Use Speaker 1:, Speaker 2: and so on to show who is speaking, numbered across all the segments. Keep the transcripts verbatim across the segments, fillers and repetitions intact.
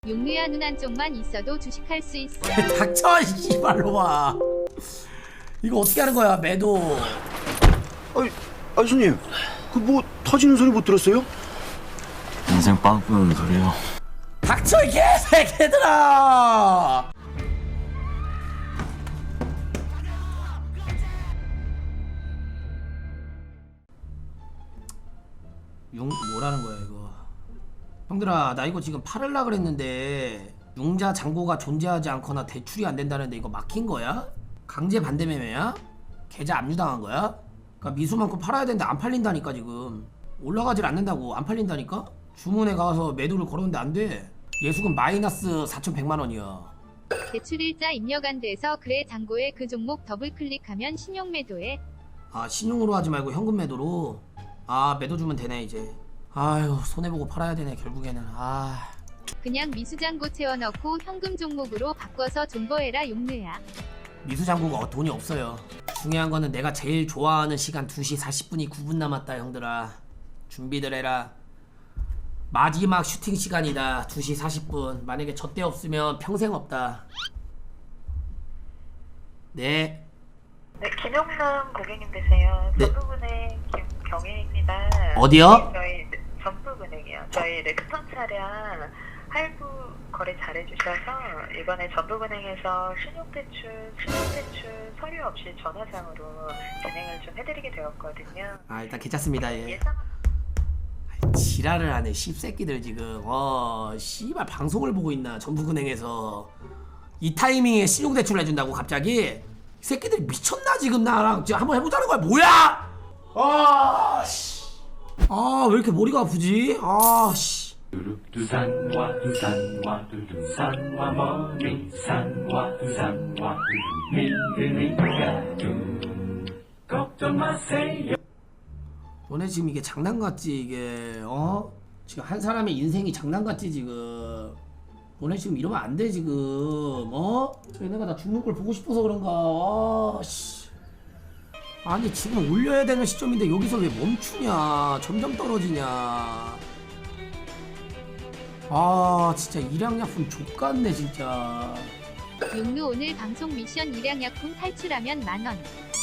Speaker 1: 용루야 눈 한쪽만 있어도 주식할 수 있어.
Speaker 2: 닥쳐 씨발로 와. 이거 어떻게 하는 거야 매도.
Speaker 3: 아이, 아 손님, 그 뭐 터지는 소리 못 들었어요?
Speaker 4: 인생 빵꾸는 소리요.
Speaker 2: 닥쳐 이 개새끼들아. 용 뭐라는 거야 이거. 형들아 나 이거 지금 팔을라 그랬는데 융자 잔고가 존재하지 않거나 대출이 안 된다는데 이거 막힌 거야? 강제 반대 매매야? 계좌 압류당한 거야? 그러니까 미수만큼 팔아야 되는데 안 팔린다니까. 지금 올라가질 않는다고. 안 팔린다니까? 주문에 가서 매도를 걸었는데 안 돼. 예수금 마이너스 사천백만 원이야.
Speaker 1: 대출일자 입력 안 돼서 그래 잔고에 그 종목 더블 클릭하면 신용 매도해.
Speaker 2: 아 신용으로 하지 말고 현금 매도로. 아 매도 주면 되네 이제. 아유 손해보고 팔아야 되네 결국에는. 아
Speaker 1: 그냥 미수잔고 채워넣고 현금 종목으로 바꿔서 존버해라 용루야.
Speaker 2: 미수장구가 돈이 없어요. 중요한 거는 내가 제일 좋아하는 시간 두 시 사십 분이 구 분 남았다 형들아. 준비들 해라. 마지막 슈팅 시간이다. 두 시 사십 분. 만약에 저 때 없으면 평생 없다. 네.
Speaker 5: 네, 김용남 고객님 되세요.
Speaker 2: 네.
Speaker 5: 전북은행 김경혜입니다.
Speaker 2: 어디요?
Speaker 5: 저희 전북은행이요. 저희 렉스턴 차량 할부 거래 잘해주셔서 이번에 전북은행에서 신용대출, 신용대출 서류 없이 전화상으로 진행을 좀 해드리게 되었거든요.
Speaker 2: 아 일단 괜찮습니다. 예.
Speaker 5: 예상
Speaker 2: 지랄을 하네 씹새끼들 지금. 어 씨발 방송을 보고 있나. 전북은행에서 이 타이밍에 신용대출을 해준다고 갑자기? 이 새끼들 미쳤나 지금. 나랑 지금 한번 해보자는 거야 뭐야? 아씨 아 왜 이렇게 머리가 아프지? 아씨
Speaker 6: 두산과 두산과 두산과 머리 산과 두산과 믿으니까 두 걱정 마세요.
Speaker 2: 너네 지금 이게 장난 같지 이게? 어? 지금 한 사람의 인생이 장난 같지 지금? 너네 지금 이러면 안 돼 지금. 어? 얘네가 나 죽는 걸 보고 싶어서 그런가. 아 씨. 아니 지금 올려야 되는 시점인데 여기서 왜 멈추냐. 점점 떨어지냐. 아 진짜 일양약품 족같네 진짜.
Speaker 1: 용루 오늘 방송 미션 일양약품 탈출하면 만원.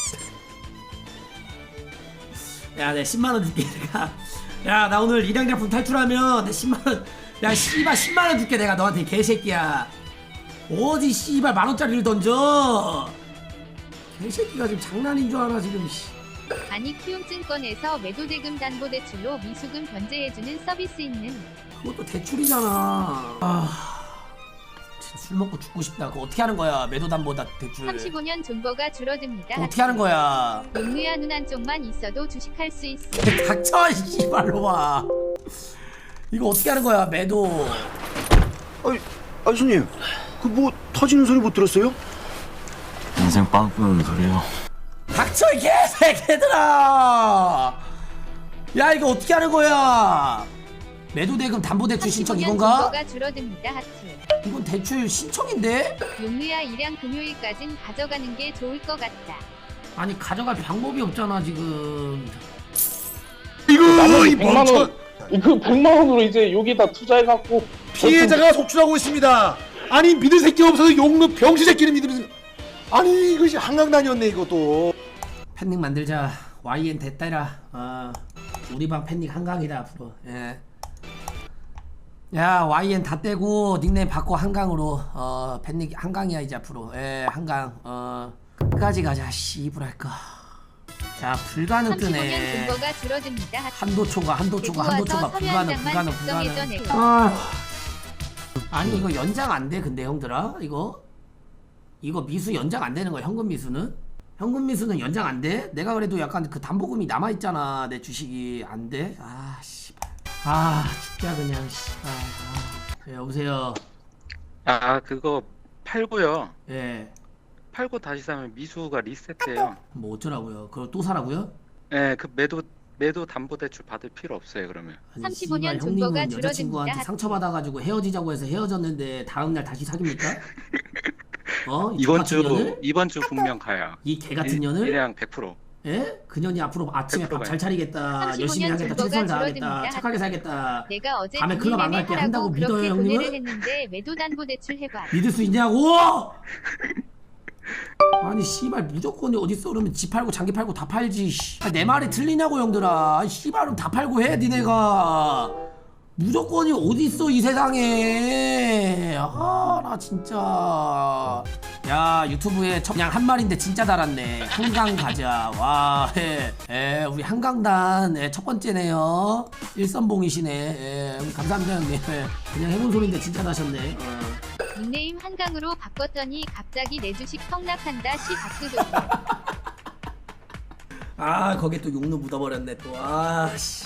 Speaker 2: 야, 내 십만 원 줄게 내가. 야, 나 오늘 일양약품 탈출하면 내 십만 원. 야, 씨발 십만 원 줄게 내가 너한테 개새끼야. 어디 씨발 만 원짜리를 던져? 개새끼가 지금 장난인 줄 알아 지금. 씨.
Speaker 1: 아니 키움증권에서 매도대금 담보대출로 미수금 변제해주는 서비스 있는.
Speaker 2: 그것도 대출이잖아. 아, 진짜 술 먹고 죽고 싶다. 그거 어떻게 하는 거야? 매도담보다 대출.
Speaker 1: 삼십오 년 존버가 줄어듭니다.
Speaker 2: 그거 어떻게 하는 거야?
Speaker 1: 용루야 눈 한쪽만 있어도 주식할 수 있어.
Speaker 2: 닥쳐 씨발로 와. 이거 어떻게 하는 거야? 매도.
Speaker 3: 아이, 아 손님, 그 뭐 터지는 소리 못 들었어요?
Speaker 4: 인생 빵꾸는 소리요.
Speaker 2: 닥쳐 이 개새끼들아. 야 이거 어떻게 하는 거야? 매도대금 담보대출 신청
Speaker 1: 삼십오 년
Speaker 2: 이건가?
Speaker 1: 존버가 줄어듭니다. 하트.
Speaker 2: 이건 대출 신청인데?
Speaker 1: 용루야 일양 금요일까진 가져가는 게 좋을 것 같다.
Speaker 2: 아니 가져갈 방법이 없잖아 지금.
Speaker 7: 나머지
Speaker 3: 이거 이
Speaker 7: 백만
Speaker 3: 멍청
Speaker 7: 원, 그 백만 원으로 이제 여기다 투자해갖고
Speaker 3: 피해자가 속출하고 있습니다. 아니 믿을 새끼 없어서 용루 병신 새끼를 믿으면서 아니 이것이 한강단이었네 이것도.
Speaker 2: 팬닉 만들자. 와이엔 됐다라. 어, 우리 방 팬닉 한강이다 앞으로. 예. 야 와이엔 다 떼고 닉네임 바꿔 한강으로. 어 팬닉 한강이야 이제 앞으로. 예 한강. 어 끝까지 가자 씨부랄까. 자 불가능
Speaker 1: 삼십오 년
Speaker 2: 뜨네.
Speaker 1: 존버가 줄어듭니다. 하트.
Speaker 2: 한도초가 한도초가
Speaker 1: 데리고
Speaker 2: 한도초가
Speaker 1: 와서
Speaker 2: 불가능
Speaker 1: 서면장만
Speaker 2: 불가능 불가능.
Speaker 1: 작성해줘, 내가.
Speaker 2: 아 아니 이거 연장 안 돼 근데 형들아 이거 이거 미수 연장 안 되는 거야. 현금 미수는 현금 미수는 연장 안 돼. 내가 그래도 약간 그 담보금이 남아 있잖아. 내 주식이 안 돼. 아 씨발. 아 죽자 그냥 씨발. 아. 네, 여보세요.
Speaker 8: 아 그거 팔고요.
Speaker 2: 예.
Speaker 8: 팔고 다시 사면 미수가 리셋돼요.
Speaker 2: 뭐 어쩌라고요? 그걸 또 사라고요?
Speaker 8: 네, 그 매도 매도 담보대출 받을 필요 없어요 그러면.
Speaker 2: 아니,
Speaker 1: 삼십오 년
Speaker 2: 씨발,
Speaker 1: 존버가
Speaker 2: 형님은
Speaker 1: 줄어듭니다.
Speaker 2: 여자친구한테 상처받아가지고 헤어지자고 해서 헤어졌는데 다음날 다시 사깁니까? 어? 이
Speaker 8: 이번
Speaker 2: 같은
Speaker 8: 주
Speaker 2: 년을?
Speaker 8: 이번 주 분명 가요.
Speaker 2: 이 개 같은 년을?
Speaker 8: 일량 백 퍼센트.
Speaker 2: 예? 그년이 앞으로 아침에 밥 잘
Speaker 8: 백
Speaker 2: 차리겠다, 열심히
Speaker 1: 삼십오 년
Speaker 2: 하겠다,
Speaker 1: 존버가
Speaker 2: 최선을 다하겠다,
Speaker 1: 줄어듭니다.
Speaker 2: 착하게 살겠다.
Speaker 1: 내가 어제
Speaker 2: 밤에 클럽 안 갈게 한다고
Speaker 1: 하라고
Speaker 2: 믿어요,
Speaker 1: 그렇게
Speaker 2: 형님은?
Speaker 1: 고뇌를 했는데 매도담보대출 해봐.
Speaker 2: 믿을 수 있냐고? 아니 씨발 무조건이 어딨어. 그러면 집 팔고 장기 팔고 다 팔지. 씨. 아, 내 말이 틀리냐고 형들아. 아니, 씨발 그럼 다 팔고 해 니네가. 무조건이 어딨어 이 세상에. 아 나 진짜. 야 유튜브에 첫- 그냥 한 말인데 진짜 달았네. 한강 가자. 와 예. 예, 우리 한강단 예, 첫 번째네요. 일선봉이시네. 예, 감사합니다 형님. 예, 그냥 해본 소리인데 진짜 나셨네. 어.
Speaker 1: 닉네임 한강으로 바꿨더니 갑자기 내 주식 폭락한다 시 박수도.
Speaker 2: 아 거기에 또 욕로 묻어버렸네 또. 아씨.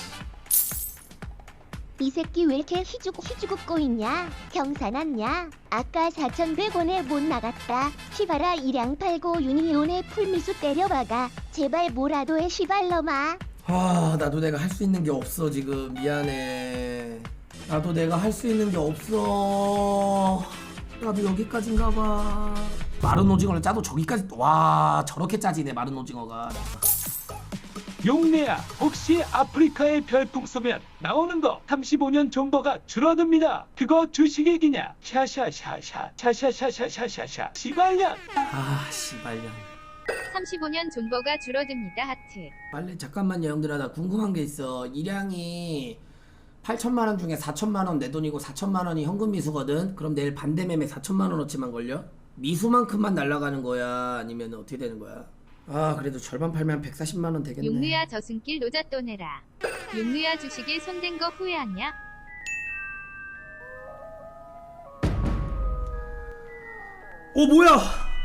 Speaker 9: 이 새끼 왜 이렇게 희죽 희죽고 있냐? 경사났냐? 아까 사천백 원에 못 나갔다. 시바라 일양 팔고 유니온에 풀미수 때려박아. 제발 뭐라도 해 시발놈아.
Speaker 2: 아 나도 내가 할 수 있는 게 없어 지금. 미안해. 나도 내가 할 수 있는 게 없어. 나도 여기까지인가 봐. 마른 오징어를 짜도 저기까지. 와 저렇게 짜지네 마른 오징어가.
Speaker 6: 용내야, 혹시 아프리카의 별풍 쏘면 나오는 거 삼십오 년 존버가 줄어듭니다. 그거 주식얘기냐? 샤샤샤샤 샤샤샤샤샤샤 시발년.
Speaker 2: 아 씨발년.
Speaker 1: 삼십오 년 존버가 줄어듭니다 하트.
Speaker 2: 빨리 잠깐만요 형들아. 나 궁금한 게 있어. 일양이 팔천만 원 중에 사천만 원 내 돈이고 사천만 원이 현금 미수거든. 그럼 내일 반대 매매 사천만 원어치만 걸려? 미수만큼만 날아가는 거야? 아니면 어떻게 되는 거야? 아 그래도 절반 팔면 백사십만 원 되겠네.
Speaker 1: 용누야 저승길 노잣돈 내라. 용누야 주식에 손댄 거 후회하냐?
Speaker 2: 어 뭐야?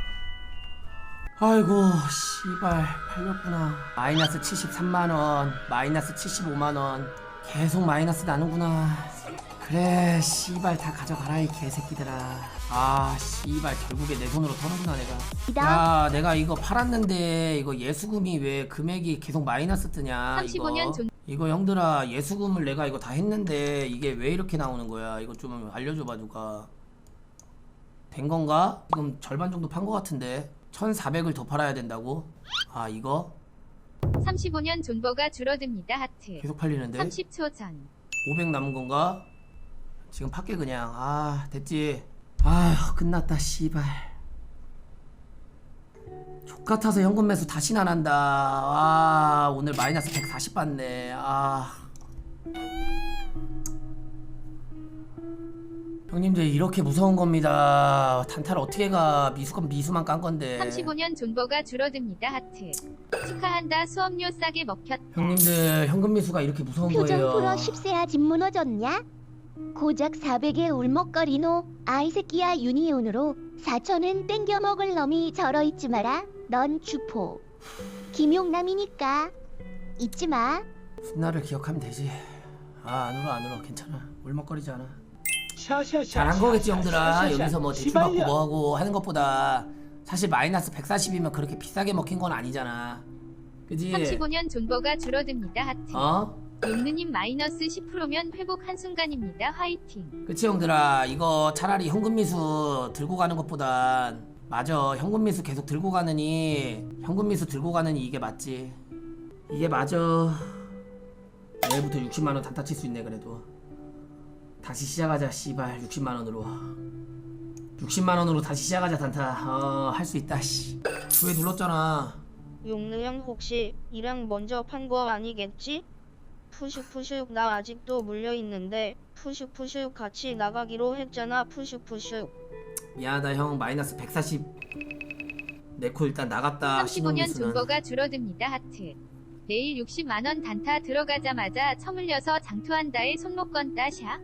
Speaker 2: 아이고 씨발 팔렸구나. 마이너스 칠십삼만 원, 마이너스 칠십오만 원. 계속 마이너스 나는구나. 그래 씨발 다 가져가라 이 개새끼들아. 아 씨발 결국에 내 손으로 터는구나 내가. 야 내가 이거 팔았는데 이거 예수금이 왜 금액이 계속 마이너스 뜨냐.
Speaker 1: 삼십오 년
Speaker 2: 이거
Speaker 1: 존-
Speaker 2: 이거 형들아 예수금을 내가 이거 다 했는데 이게 왜 이렇게 나오는 거야. 이거 좀 알려줘봐 누가. 된 건가? 지금 절반 정도 판 거 같은데 천사백을 더 팔아야 된다고? 아 이거?
Speaker 1: 삼십오 년 존버가 줄어듭니다 하트.
Speaker 2: 계속 팔리는데?
Speaker 1: 삼십 초 전.
Speaker 2: 오백 남은 건가? 지금 팔게 그냥. 아 됐지. 아휴 끝났다 씨발. 족같아서 현금 매수 다시는 안 한다. 아 오늘 마이너스 백사십 받네. 아 형님들 이렇게 무서운 겁니다. 단타를 어떻게 가. 미수건 미수만 깐 건데.
Speaker 1: 삼십오 년 존버가 줄어듭니다 하트. 축하한다 수업료 싸게 먹혔다.
Speaker 2: 형님들 현금 미수가 이렇게 무서운
Speaker 9: 표정
Speaker 2: 거예요.
Speaker 9: 풀어 십세야 집 무너졌냐? 고작 사백에 울먹거리노. 아이 새끼야 유니온으로 사천은 땡겨 먹을 놈이 절어 있지 마라. 넌 주포. 김용남이니까 잊지 마.
Speaker 2: 훗날을 기억하면 되지. 아 안 울어 안 울어 괜찮아. 울먹거리지 않아.
Speaker 6: 샤샤샤
Speaker 2: 잘한 거겠지 형들아.
Speaker 6: 샤샤샤
Speaker 2: 여기서 뭐 대출 받고
Speaker 6: 시발년.
Speaker 2: 뭐하고 하는 것보다 사실 마이너스 백사십이면 그렇게 비싸게 먹힌 건 아니잖아. 그지?
Speaker 1: 삼십오 년 존버가 줄어듭니다 하트.
Speaker 2: 어?
Speaker 1: 용누님 마이너스 십 퍼센트면 회복 한순간입니다 화이팅.
Speaker 2: 그치 형들아. 이거 차라리 현금 미수 들고 가는 것보단 맞아. 현금 미수 계속 들고 가느니 현금 미수 들고 가느니 이게 맞지. 이게 맞아. 내일부터 육십만 원 단타 칠 수 있네. 그래도 다시 시작하자 씨발. 육십만 원으로 육십만 원으로 다시 시작하자 단타. 어 할 수 있다 씨. 왜 눌렀잖아.
Speaker 10: 용르형 혹시 이랑 먼저 판 거 아니겠지? 푸슉푸슉 나 아직도 물려있는데 푸슉푸슉 같이 나가기로 했잖아 푸슉푸슉.
Speaker 2: 미안하다 형. 마이너스 백사십 내코 일단 나갔다.
Speaker 1: 삼십오 년
Speaker 2: 신용미수는.
Speaker 1: 존버가 줄어듭니다 하트. 내일 육십만 원 단타 들어가자마자 처물려서 장투한다에 손목 건다 샤.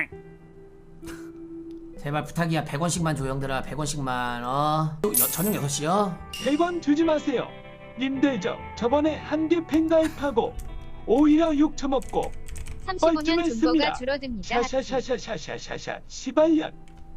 Speaker 2: 제발 부탁이야. 백 원씩만 줘 형들아. 백 원씩만. 어 여, 저녁 여섯 시요?
Speaker 6: 백 원 주지 마세요. 님들 저 저번에 한 개 팬가입하고 오히려 욕 처먹고
Speaker 1: 삼십오 년 존버가
Speaker 6: 뻘쭘했습니다.
Speaker 1: 줄어듭니다 하트.
Speaker 6: 샤샤샤샤샤샤샤 시발년.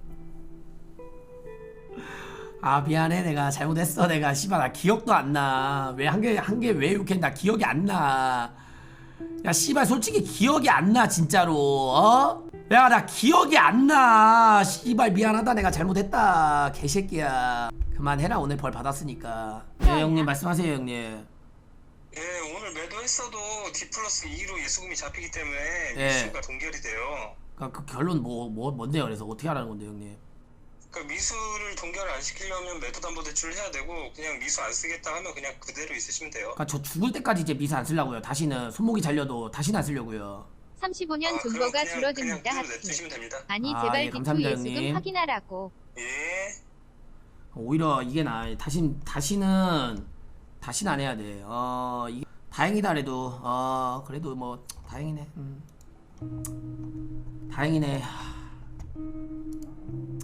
Speaker 2: 아 미안해. 내가 잘못했어. 내가 씨발 나 기억도 안 나. 왜 한 개 한 개 왜 욕했 나 기억이 안 나. 야 씨발 솔직히 기억이 안 나 진짜로. 어? 야 나 기억이 안 나. 씨발 미안하다. 내가 잘못했다. 개새끼야. 그만해라. 오늘 벌 받았으니까. 네 형님 말씀하세요 형님.
Speaker 11: 예, 오늘 매도했어도 D 플러스 이로 예수금이 잡히기 때문에
Speaker 2: 예.
Speaker 11: 미수가 동결이 돼요.
Speaker 2: 그러니까 그 결론 뭐, 뭐 뭔데요? 그래서 어떻게 하라는 건데 형님?
Speaker 11: 그러니까 미수를 동결을 안 시키려면 매도담보대출을 해야 되고 그냥 미수 안 쓰겠다 하면 그냥 그대로 있으시면 돼요.
Speaker 2: 그러니까 저 죽을 때까지 이제 미수 안 쓰려고요. 다시는 손목이 잘려도 다시는 안 쓰려고요.
Speaker 1: 삼십오 년
Speaker 11: 아, 그럼
Speaker 1: 존버가
Speaker 11: 그냥-
Speaker 1: 줄어듭니다.
Speaker 11: 그냥 그대로
Speaker 1: 하트.
Speaker 11: 냅두시면 됩니다.
Speaker 1: 아니
Speaker 2: 아,
Speaker 1: 제발
Speaker 2: 예,
Speaker 1: 디투
Speaker 2: 감사합니다,
Speaker 1: 예수금
Speaker 2: 형님.
Speaker 1: 확인하라고.
Speaker 11: 예.
Speaker 2: 오히려 이게 나 다시 다시는 다시는 안 해야 돼. 어 이게 다행이다 그래도 어 그래도 뭐 다행이네. 음. 다행이네. 하.